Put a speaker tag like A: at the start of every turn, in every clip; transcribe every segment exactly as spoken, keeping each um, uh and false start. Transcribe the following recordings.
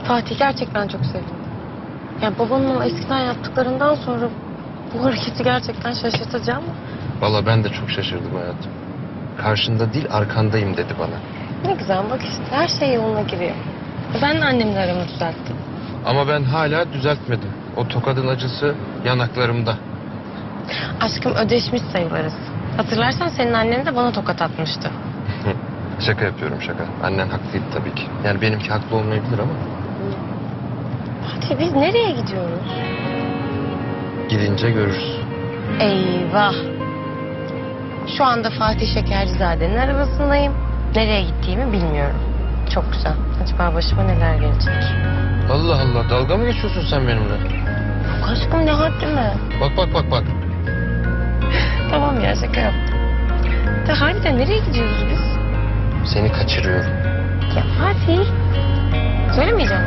A: Fatih gerçekten çok sevindim. Yani babamın o eskiden yaptıklarından sonra bu hareketi gerçekten şaşırtıcı ama.
B: Vallahi ben de çok şaşırdım hayatım. Karşında değil arkandayım dedi bana.
A: Ne güzel bak işte her şey yoluna giriyor. Ben de annemle aramı düzelttim.
B: Ama ben hala düzeltmedim. O tokadın acısı yanaklarımda.
A: Aşkım ödeşmiş sayılırız. Hatırlarsan senin annen de bana tokat atmıştı.
B: Şaka yapıyorum şaka. Annen haklıydı tabii ki. Yani benimki haklı olmayabilir ama.
A: Fatih biz nereye gidiyoruz?
B: Gidince görürüz.
A: Eyvah. Şu anda Fatih Şekercizade'nin arabasındayım. Nereye gittiğimi bilmiyorum. Çok güzel. Acaba başıma neler gelecek?
B: Allah Allah, dalga mı geçiyorsun sen benimle?
A: Yok aşkım ne haddime.
B: Bak bak bak bak.
A: Tamam ya şaka yaptım. Da harbiden nereye gidiyoruz biz?
B: Seni kaçırıyorum.
A: Ya Fatih. Söylemeyeceğim.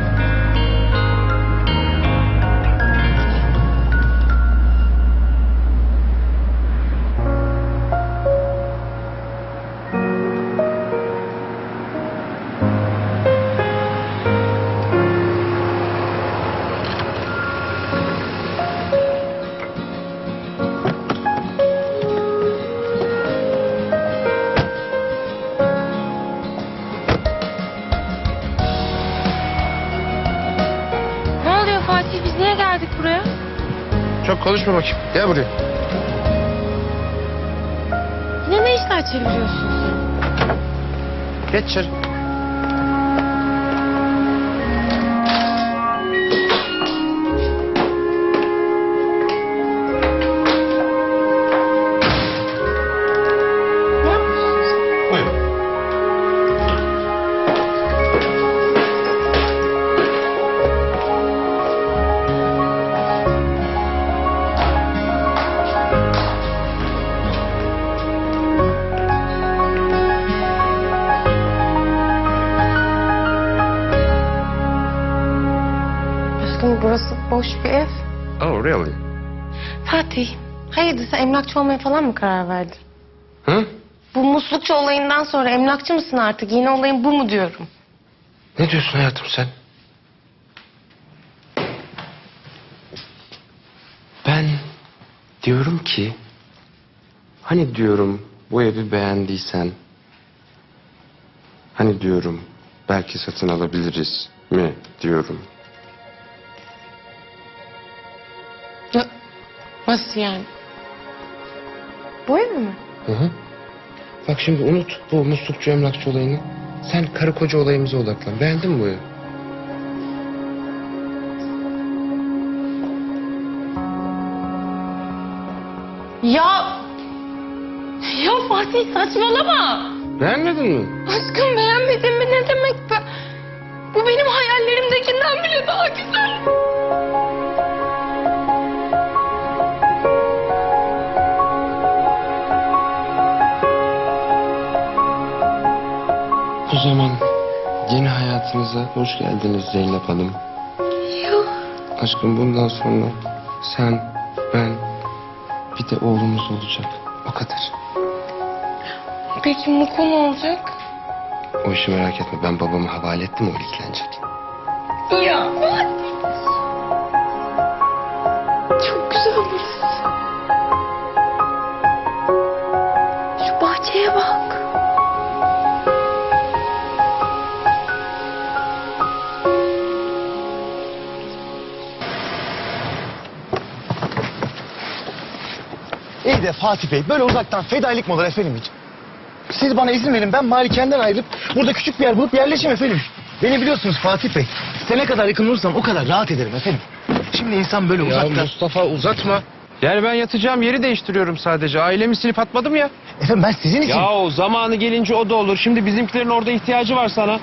A: Fatih biz niye geldik buraya?
B: Çok konuşma bakayım. Gel buraya.
A: Yine ne işler çeviriyorsun sen?
B: Geç içeri.
A: Ne yapıyorsun sen?
B: Buyurun.
A: Aşkım burası boş bir ev.
B: Oh really?
A: Fatih, hayırdır sen emlakçı olmaya falan mı karar verdin?
B: Hı?
A: Bu muslukçu olayından sonra emlakçı mısın artık? Yine olayın bu mu diyorum?
B: Ne diyorsun hayatım sen? Ben diyorum ki... Hani diyorum bu evi beğendiysen... Hani diyorum belki satın alabiliriz mi diyorum.
A: Ya, nasıl yani? Bu ev mi?
B: Hı hı. Bak şimdi unut bu muslukçu emlakçı olayını. Sen karı koca olayımıza odaklan. Beğendin mi bu evi?
A: Ya... Ya Fatih saçmalama.
B: Beğenmedin mi?
A: Aşkım beğenmedin mi ne demek be? Bu benim hayallerimdekinden bile daha güzel.
B: O zaman yeni hayatınıza hoş geldiniz Zeynep Hanım.
A: Ya.
B: Aşkım bundan sonra sen, ben, bir de oğlumuz olacak. O kadar.
A: Peki Muko ne olacak?
B: O işi merak etme. Ben babamı havale ettim, o ilgilenecek.
A: Ya çok güzel burası. Şu bahçeye bak.
C: İyi de Fatih Bey böyle uzaktan fedailik mi olur efendim hiç? Siz bana izin verin ben malikenden ayrılıp burada küçük bir yer bulup yerleşeyim efendim. Beni biliyorsunuz Fatih Bey. Size ne kadar yakın olursam o kadar rahat ederim efendim. Şimdi insan böyle
B: Ya
C: uzaktan...
B: Mustafa uzatma. Yani ben yatacağım yeri değiştiriyorum sadece. Ailemi silip atmadım ya.
C: Efendim ben sizin için...
B: Ya o zamanı gelince o da olur. Şimdi bizimkilerin orada ihtiyacı var sana.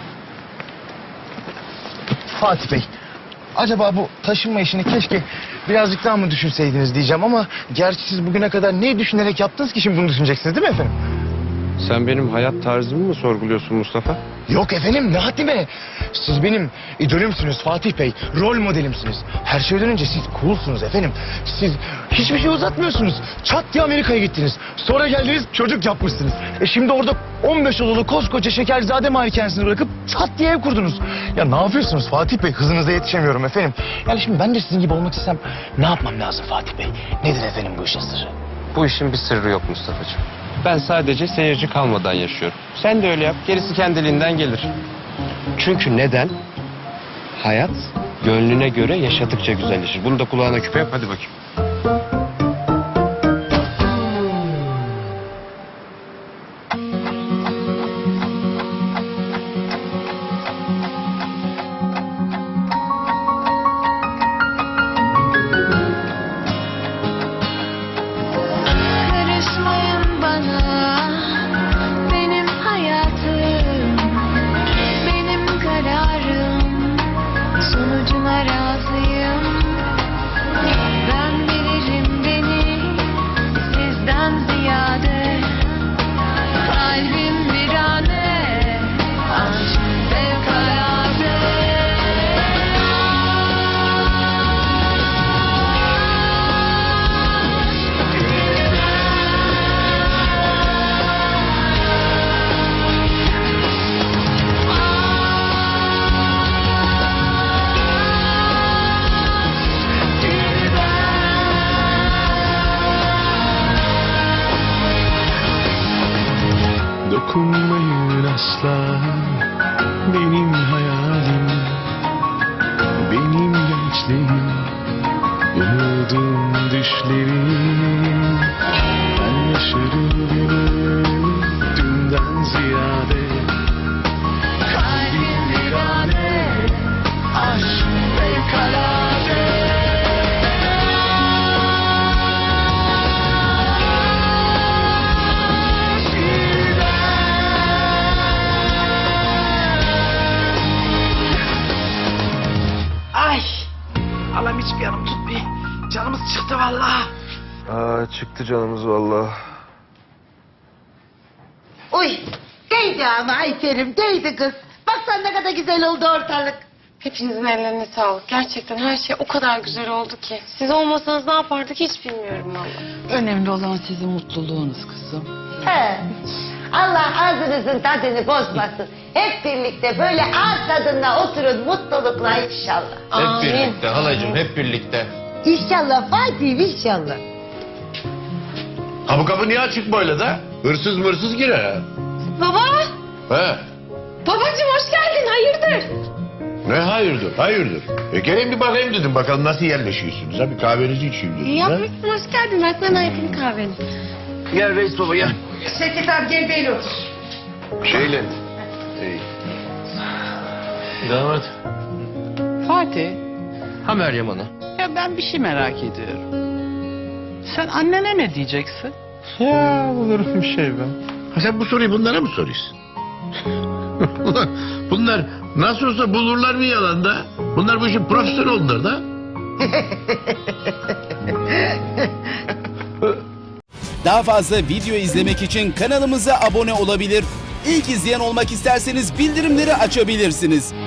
C: Fatih Bey. Acaba bu taşınma işini keşke birazcık daha mı düşünseydiniz diyeceğim ama... Gerçi siz bugüne kadar neyi düşünerek yaptınız ki şimdi bunu düşüneceksiniz değil mi efendim?
B: Sen benim hayat tarzımı mı sorguluyorsun Mustafa?
C: Yok efendim, ne haddime. Siz benim idolümsünüz Fatih Bey. Rol modelimsiniz. Her şeyden önce siz coolsunuz efendim. Siz hiçbir şey uzatmıyorsunuz. Çat diye Amerika'ya gittiniz. Sonra geldiniz çocuk yapmışsınız. E şimdi orada on beş odalı koskoca Şekerzade malikanesini bırakıp çat diye ev kurdunuz. Ya ne yapıyorsunuz Fatih Bey? Hızınıza yetişemiyorum efendim. Yani şimdi ben de sizin gibi olmak istesem ne yapmam lazım Fatih Bey? Nedir efendim bu işin sırrı?
B: Bu işin bir sırrı yok Mustafa'cığım. Ben sadece seyirci kalmadan yaşıyorum. Sen de öyle yap. Gerisi kendiliğinden gelir. Çünkü neden? Hayat gönlüne göre yaşadıkça güzelleşir. Bunu da kulağına küpe yap. Hadi bakayım.
D: Karışmayın bana, benim hayatım, benim kararım, sonucuna razıyım. Ben bilirim beni sizden ziyade, kalbim virane, aşk fevkalade.
E: Dokunmayın asla, benim hayalim, benim gençliğim, umudum düşlerim. Ben yaşarım günü dünden ziyade,
D: Kalbim virane, aşk fevkalade.
F: Ay! Allah'ım hiçbir yanım tutmuyor. Canımız çıktı vallahi.
B: Aa, çıktı canımız vallahi.
G: Uy, değdi ama Ayfer'im, değdi kız. Bak sen ne kadar güzel oldu ortalık.
A: Hepinizin ellerine sağlık. Gerçekten her şey o kadar güzel oldu ki. Siz olmasanız ne yapardık hiç bilmiyorum vallahi.
F: Önemli olan sizin mutluluğunuz kızım.
G: He. Allah ağzınızın tadını bozmasın. Hep birlikte böyle ağız tadında oturun mutlulukla inşallah.
A: Amin.
H: halacığım hep birlikte.
G: İnşallah Fatih, inşallah.
H: Ha bu kapı niye açık böyle de? Hırsız mırsız girer ha.
A: Baba!
H: He.
A: Babacığım hoş geldin. Hayırdır?
H: Ne hayırdır hayırdır. E gelin bir bakayım dedim bakalım nasıl yerleşiyorsunuz ha bir kahvenizi içeyim dedim.
A: İyi
H: ha?
A: yapmışsın. Hoş geldin. Ben sana yapayım kahveni.
H: Gel reis baba gel.
G: Şevket abi gel böyle otur.
H: Şeyle. Hey. Damat.
F: Fatih,
H: Ha Meryem Ana.
F: ya ben bir şey merak ediyorum. Sen annene ne diyeceksin?
H: Ya olur bir şey ben. Ha sen bu soruyu bunlara mı soruyorsun? Ulan bunlar nasıl olsa bulurlar mı yalanda? Bunlar bu işin profesörü oldular da.
I: Daha fazla video izlemek için kanalımıza abone olabilir. İlk izleyen olmak isterseniz bildirimleri açabilirsiniz.